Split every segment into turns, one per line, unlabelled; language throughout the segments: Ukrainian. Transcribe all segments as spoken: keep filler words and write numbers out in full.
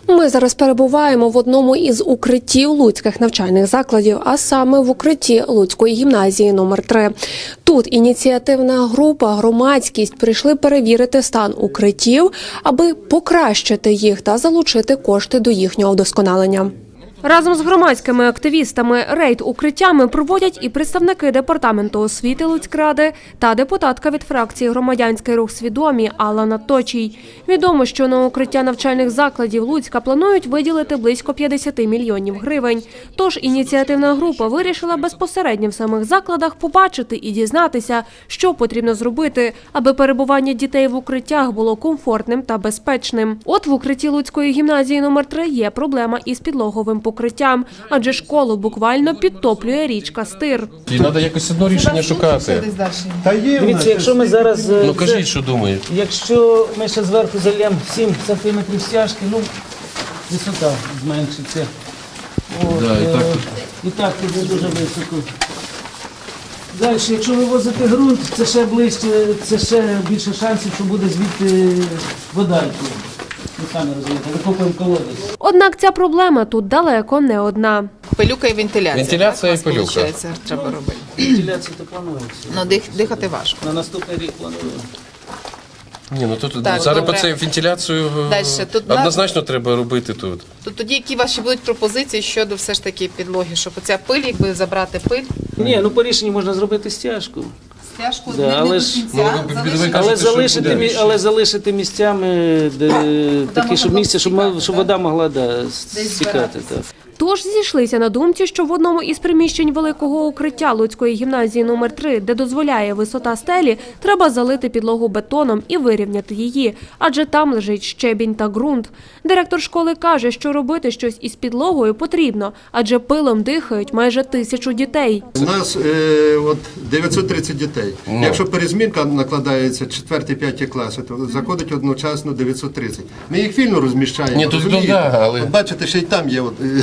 Ми зараз перебуваємо в одному із укриттів луцьких навчальних закладів, а саме в укритті Луцької гімназії номер три. Тут ініціативна група, громадськість прийшли перевірити стан укриттів, аби покращити їх та залучити кошти до їхнього вдосконалення. Разом з громадськими активістами рейд укриттями проводять і представники департаменту освіти Луцькради та депутатка від фракції «Громадянський рух Свідомі» Алла Точій. Відомо, що на укриття навчальних закладів Луцька планують виділити близько п'ятдесят мільйонів гривень. Тож ініціативна група вирішила безпосередньо в самих закладах побачити і дізнатися, що потрібно зробити, аби перебування дітей в укриттях було комфортним та безпечним. От в укритті Луцької гімназії номер три є проблема із підлоговим покриттям, адже школу буквально підтоплює річка Стир.
І треба якось одно рішення шукати.
Дивіться, якщо ми зараз...
Ну кажіть, що думаєте.
Якщо ми ще зверху зальємо сім сантиметрів стяжки, ну, висота зменшиться. От,
Да, і так тут.
і так буде дуже високо. Далі, якщо вивозити ґрунт, це ще ближче, це ще більше шансів, що буде звідти вода. Ви самі розумієте, викопуємо колодязь.
Однак ця проблема тут далеко не одна.
Пилюка і вентиляція.
Вентиляція
так,
і пилюка.
Виходить, треба робити.
Вентиляція то планується.
Ну, дих, дихати важко.
На наступний рік плануємо.
Ні, ну тут
Так,
зараз
добре.
по цей вентиляцію
Дальше, тут
однозначно треба робити тут.
То тоді які ваші будуть пропозиції щодо все ж таки підлоги, щоб оця пиль, якби забрати пиль,
Ні, ну по рішенню можна зробити стяжку.
стяжку
Да,
не,
але
не
ж-
до кінця,
Ну,
залишити.
ви кажете,
Але
що
залишити,
буде.
мі- але залишити місцями, де, такі,
можна
щоб
було
місце, щоб,
стікати,
ма- щоб
так?
вода могла да, стікати.
збиратися.
Так.
Тож зійшлися на думці, що в одному із приміщень великого укриття Луцької гімназії номер три, де дозволяє висота стелі, треба залити підлогу бетоном і вирівняти її, адже там лежить щебінь та ґрунт. Директор школи каже, що робити щось із підлогою потрібно, адже пилом дихають майже тисячу дітей.
У нас е, от дев'ятсот тридцять дітей.
Ну.
Якщо перезмінка накладається четвертий-п'ятий класи, то заходить одночасно дев'ятсот тридцять. Ми їх вільно розміщаємо.
Ні, тут
розумієте?
да, але-
От бачите, ще й там є. От, е,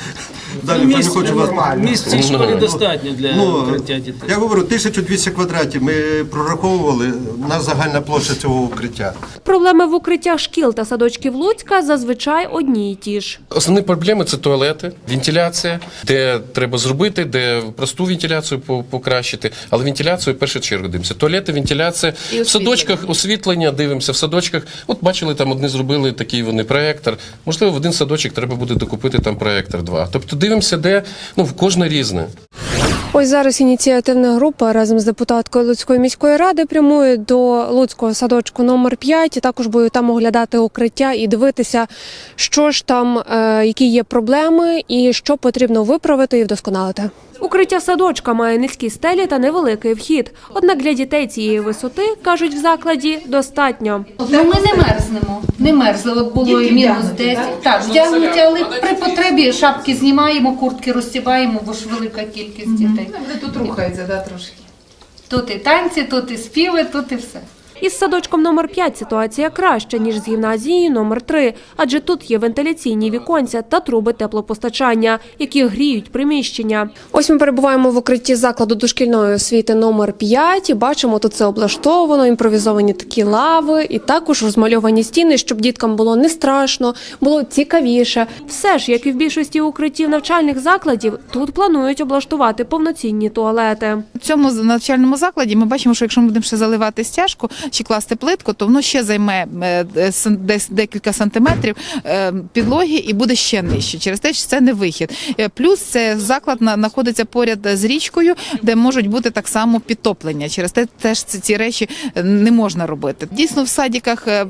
далі вже не
Місць,
хочу вас.
місць в цій школі достатньо для
Ну,
укриття дітей.
я говорю, тисяча двісті квадратів ми прораховували, у нас загальна площа цього укриття.
Проблеми в укриттях шкіл та садочків Луцька зазвичай одні й ті ж.
Основні проблеми – це туалети, вентиляція, де треба зробити, де просту вентиляцію по- покращити, але вентиляцію в першу чергу дивимося. Туалети, вентиляція, в садочках освітлення дивимося, в садочках. От бачили, там одні зробили такий вони проєктор. Можливо, в один садочок треба буде докупити там проєктор два. Тобто дивимося, де, ну, в кожне різне.
Ось зараз ініціативна група разом з депутаткою Луцької міської ради прямує до Луцького садочку номер п'ять, і також будуть там оглядати укриття і дивитися, що ж там, е, які є проблеми і що потрібно виправити і вдосконалити. Укриття садочка має низькі стелі та невеликий вхід. Однак для дітей цієї висоти, кажуть в закладі, достатньо.
Ну, ми не мерзнемо, не мерзли, от було і мінус десять. Так, вдягнуті, але при потребі шапки знімаємо, куртки розтібаємо, бо ж велика кількість дітей.
Вони тут рухаються, да, трошки.
Тут і танці, тут і співи, тут і все.
Із садочком номер п'ять ситуація краща, ніж з гімназією номер три, адже тут є вентиляційні віконця та труби теплопостачання, які гріють приміщення. Ось ми перебуваємо в укритті закладу дошкільної освіти номер п'ять і бачимо, тут це облаштовано, імпровізовані такі лави і також розмальовані стіни, щоб діткам було не страшно, було цікавіше. Все ж, як і в більшості укриттів навчальних закладів, тут планують облаштувати повноцінні туалети.
В цьому навчальному закладі ми бачимо, що якщо ми будемо ще заливати стяжку чи класти плитку, то воно ще займе е, сан- десь декілька сантиметрів е, підлоги і буде ще нижче. Через те, що це не вихід. Е, Плюс це заклад на- знаходиться поряд з річкою, де можуть бути так само підтоплення. Через те теж ці, ці речі не можна робити. Дійсно, в садиках е,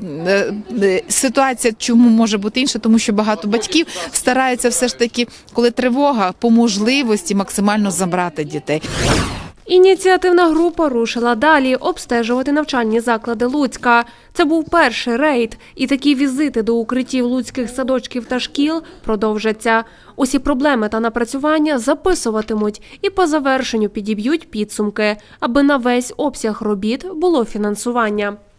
е, ситуація чому може бути інша, тому що багато батьків стараються все ж таки, коли тривога, по можливості максимально забрати дітей.
Ініціативна група рушила далі обстежувати навчальні заклади Луцька. Це був перший рейд, і такі візити до укриттів луцьких садочків та шкіл продовжаться. Усі проблеми та напрацювання записуватимуть і по завершенню підіб'ють підсумки, аби на весь обсяг робіт було фінансування.